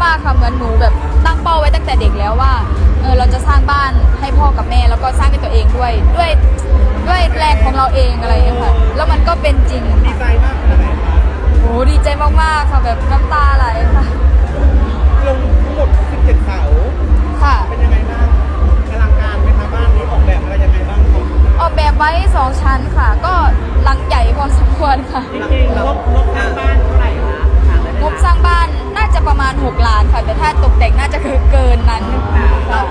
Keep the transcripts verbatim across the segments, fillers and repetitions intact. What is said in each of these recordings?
มากๆค่ะเหมือนหนูแบบตั้งเป้าไว้ตั้งแต่เด็กแล้วว่าเออเราจะสร้างบ้านให้พ่อกับแม่แล้วก็สร้างให้ตัวเองด้วยด้วยด้วยแรงของเราเองอะไรอย่างเงี้ยค่ะแล้วมันก็เป็นจริงดีใจมากขนาดไหนคะโอ้ดีใจมากๆค่ะแบบน้ำตาไหลค่ะลงทั้งหมดสิบเจ็ดเสาค่ะเป็นยังไงบ้างอลังการไหมคะบ้านนี้ออกแบบอะไรยังไงบ้างครับออกแบบไว้สองชั้นค่ะ ก็หลังใหญ่พอสมควรค่ะจริงๆงบงบสร้างบ้านเท่าไหร่คะถามได้ไหมงบสร้างบ้านน่าจะประมาณหกล้านค่ะ แต่ถ้าตกแต่งน่าจะคือเกินนั้นค่ะ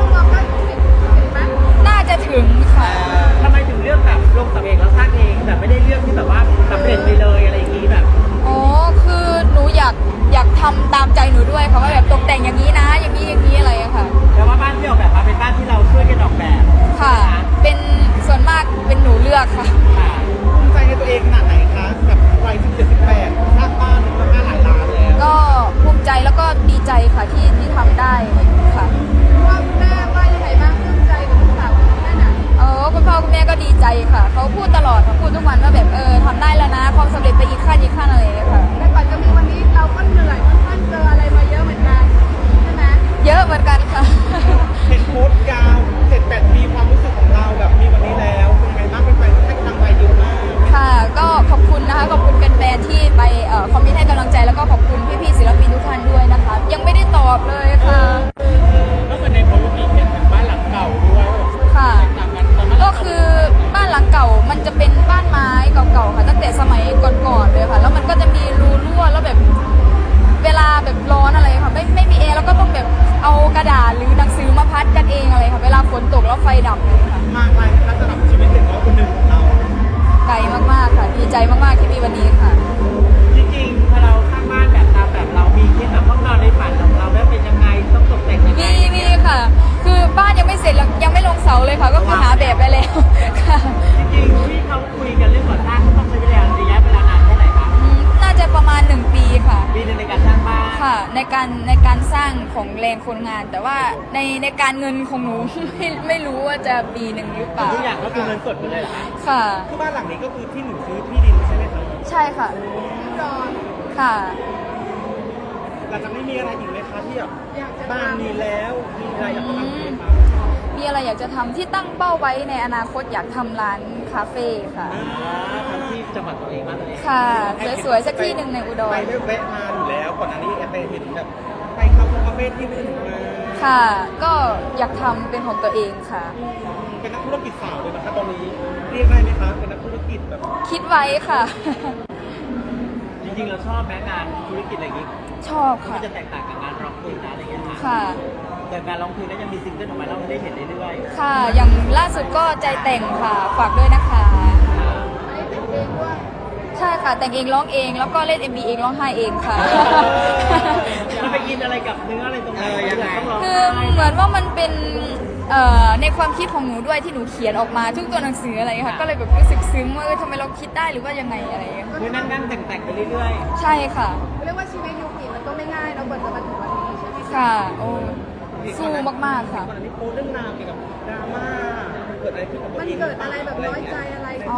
น่าจะถึงค่ะทำไมถึงเลือกแบบลงสำเองแล้วสร้างเองแบบไม่ได้เลือกที่แบบว่าสำเร็จไปเลยอะไรอย่างนี้แบบอ๋อ คือหนูอยากอยากทำตามใจหนูด้วยค่ะว่าแบบตกแต่งอย่างนี้นะ อย่างนี้อย่างนี้อะไรอะค่ะแล้วว่าบ้านที่ออกแบบมาเป็นบ้านที่เราช่วยกันออกแบบค่ะ เป็นส่วนมากเป็นหนูเลือกค่ะค่ะภูมิใจในตัวเองขนาดไหนคะแบบวัยสิบเจ็ดสิบแปดสร้างบ้านมูลค่าหลายล้านแล้วก็ภูมิใจแล้วก็ดีใจค่ะที่ที่ทำได้ค่ะว่าแม่ว่ายังไงบ้างปลื้มใจกับลูกสาวแค่ไหนเออคุณพ่อคุณแม่ก็ดีใจค่ะ เขาพูดตลอดค่ะพูดทุกวันว่าแบบเออทำได้แล้วนะความสำเร็จไปอีกขั้นอีกขั้นอะไรอย่างเงี้ยค่ะแต่ก่อนจะมีวันนี้เราก็เหนื่อยค่อนข้างเจออะไรมาเยอะเหมือนกันใช่ไหมเยอะเหมือนกันค่ะเห็นโพสต์ยาวเจ็ดแปดปีความรู้สึกของเราแบบมีวันนี้แล้วเป็นยังไงบ้างเป็นไปให้กำลังใจเยอะมากค่ะก็ขอบคุณนะคะขอบคุณแฟนๆที่ไปเอ่อคอมเมนต์ให้กำลังใจแล้วก็ขอบคุณพี่ๆศิลปินทุกท่านด้วยนะคะ ยังไม่ได้ตอบเลยค่ะก็คือในโพสต์มีเห็นบ้านหลังเก่าด้วยค่ะ ก็คือบ้านหลังเก่ามันจะเป็นบ้านไม้เก่าๆค่ะตั้งแต่สมัยก่อนๆเลยค่ะ แล้วมันก็จะมีรูรั่วแล้วแบบเวลาแบบร้อนอะไรค่ะไม่ไม่มีแอร์แล้วก็ต้องแบบเอากระดาษหรือหนังสือมาพัดกันเองอะไรค่ะเวลาฝนตกแล้วไฟดับเลยค่ะมากมายนะคะสำหรับชีวิตเด็กน้อยคนหนึ่งของเราไกลมากๆค่ะดีใจมากๆที่มีวันนี้ค่ะจริงๆพอเราสร้างบ้านแบบตามแบบเรามีคิดแบบห้องนอนในฝันของเราแล้วเป็นยังไงต้องตกแต่งยังไงมีมีค่ะ คือบ้านยังไม่เสร็จแล้วยังไม่ลงเสาเลยค่ะ ก็คือหาแบบไปแล้วค่ะจริงๆที่เขาคุยกันเรื่องก่อสร้างต้องใช้เวลาระยะเวลานานแค่ไหนคะอืมน่าจะประมาณหนึ่งปีค่ะปีหนึงในการสร้างบ้านค่ะ ในการในการสร้างของแรงคนงาน แต่ว่าในในการเงินของหนู ไม่ไม่รู้ว่าจะปีหนึ่งหรือเปล่าทุกอย่างก็คือเงินสดหมดเลยเหรอคะค่ะคือบ้านหลังนี้ก็คือที่หนึ่งซื้อที่ดินใช่ไหมคะใช่ค่ะรอค่ะหลังจากนี้มีอะไรอีกไหมคะที่แบบอยากจะบ้านมีแล้วมีอะไรอยากจะทำอีกไหมคะมีอะไรอยากจะทำที่ตั้งเป้าไว้ในอนาคตอยากทำร้านคาเฟ่ค่ะอ่าทำที่จังหวัดตัวเองมากตัวเองค่ะ สวยๆสักที่หนึ่งในอุดไปรได้แวะมาอยู่แล้วก่อนอันนี้แอบไปเห็นแบบไปคาเฟ่คาเฟ่ที่อื่นมาค่ะ ก็อยากทำเป็นของตัวเองค่ะเป็นนักธุรกิจสาวเลยนะคะตอนนี้เรียกได้ไหมคะเป็นนักธุรกิจแบบคิดไว้ค่ะจริงๆเราชอบแม้งานธุรกิจอะไรอย่างงี้ชอบมัค่ะนจะแตกต่างกับงานร้องเพลงนะอะไรอย่างเงี้ยค่ะค่ะแต่การร้องเพลงก็ยังมีซิงเกิลออกมาให้เราได้เห็นเรื่อยๆค่ะ อย่างล่าสุดก็ใจแต่งค่ะ ฝากด้วยนะคะอันนี้ติดเองด้วยใช่ค่ะ แต่งเองร้องเองแล้วก็เล่น เอ็ม วี เองร้องไห้เองค่ะมันไปกินอะไรกับเนื้ออะไรตรงไหนต้องร้องคือไห้เหมือนว่ามันเป็นเอ่อในความคิดของหนูด้วยที่หนูเขียนออกมาทุกตัวหนังสืออะไรอย่างเงี้ยค่ะ ก็เลยแบบรู้สึกซึ้งว่าเออทำไมเราคิดได้หรือว่ายังไงอะไรอย่างเงี้ยคือนั่งนั่งแต่งแต่งๆไปเรื่อยใช่ค่ะเรียกว่าชีวิตยุคนี้มันก็ไม่ง่ายเรากว่าจะมาถึงวันนี้ใช่ไหมค่ะ โอ้สู้มากๆค่ะก่อนอันนี้โพสต์เรื่องราวเกี่ยวกับดราม่าเกิดอะไรขึ้นกับตัวมันเองเกิดอะไรแบบน้อยใจอะไรอ๋อไหม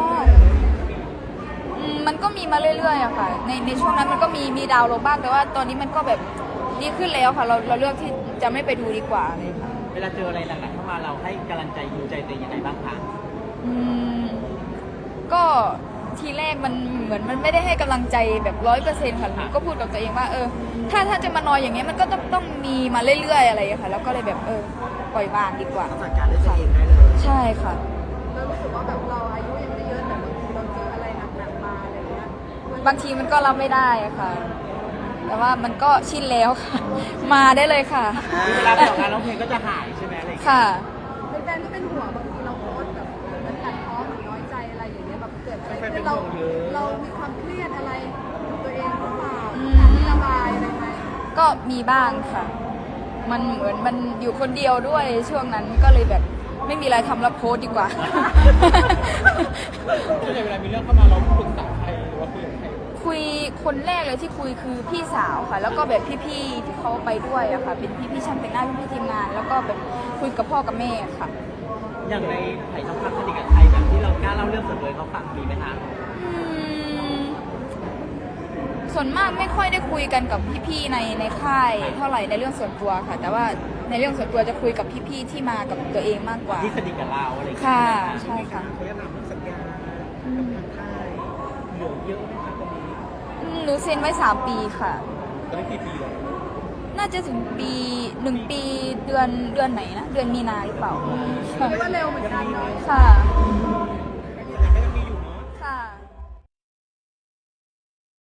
อืมมันก็มีมาเรื่อยๆอะค่ะ ในในช่วงนั้นมันก็มีมีดาวน์ลงบ้าง แต่ว่าตอนนี้มันก็แบบดีขึ้นแล้วค่ะ เราเราเลือกที่จะไม่ไปดูดีกว่าเลยค่ะๆ เวลาเจออะไรหนักๆเข้ามาเราให้กำลังใจยูใจตัวเองยังไงบ้างคะอืมก็ทีแรกมันเหมือนมันไม่ได้ให้กำลังใจแบบร้อยเปอร์เซ็นต์ค่ะหนูก็พูดกับตัวเองว่าเออ ถ้าถ้าจะมานอยอย่างเงี้ยมันก็ต้องต้องมีมาเรื่อยๆอะไรอย่างเงี้ยค่ะ แล้วก็เลยแบบเออปล่อยวางดีกว่าจัดการด้วยตัวเองได้เลยใช่ค่ะเรารู้สึกว่าแบบเราอายุยังไม่เยอะแต่บางทีเราเจออะไรหนักๆมาอะไรเงี้ยบางทีมันก็รับไม่ได้อะค่ะ แต่ว่ามันก็ชินแล้วค่ะ มาได้เลยค่ะเวลาไปออกงานร้องเพลงก็จะหายใช่ไหมอะไรอย่างเงี้ยค่ะแฟนๆก็เป็นห่วงบางทีเราโพสต์แบบมันตัดพ้อหรือน้อยใจอะไรอย่างเงี้ยแบบเกิดอะไรขึ้นเราเรามีความเครียดอะไรกับตัวเองหรือเปล่าอืมการที่ระบายอะไรไหมก็มีบ้างค่ะ มันเหมือนมันอยู่คนเดียวด้วยช่วงนั้นก็เลยแบบไม่มีอะไรทำแล้วโพสต์ดีกว่าส่วนใหญ่เวลามีเรื่องเข้ามาเราปรึกษาใครหรือว่าคุยกับใครคุยคนแรกเลยที่คุยคือพี่สาวค่ะ แล้วก็แบบพี่ๆที่เขาไปด้วยอะค่ะ เป็นพี่ๆช่างแต่งหน้าพี่ๆทีมงาน แล้วก็แบบคุยกับพ่อกับแม่ค่ะอย่างในไผ่ทองคำสนิทกับใครแบบที่เรากล้าเล่าเรื่องส่วนตัวให้เขาฟังมีไหมคะอืมส่วนมากไม่ค่อยได้คุยกันกับพี่ๆในในค่ายเท่าไหร่ในเรื่องส่วนตัวค่ะ แต่ว่าในเรื่องส่วนตัวจะคุยกับพี่ๆที่มากับตัวเองมากกว่าที่สนิทกับเราอะไรอย่างเงี้ยค่ะใช่ค่ะเขาจะถามเรื่องสัญญากับทางค่ายเหลือเยอะไหมคะตอนนี้อืมหนูเซ็นไว้สามปีค่ะตอนนี้กี่ปีแล้วน่าจะถึงปีหนึ่งปีเดือนเดือนไหนนะ เดือนมีนาหรือเปล่าค่ะเรียกว่าเร็วเหมือนกันเนาะค่ะ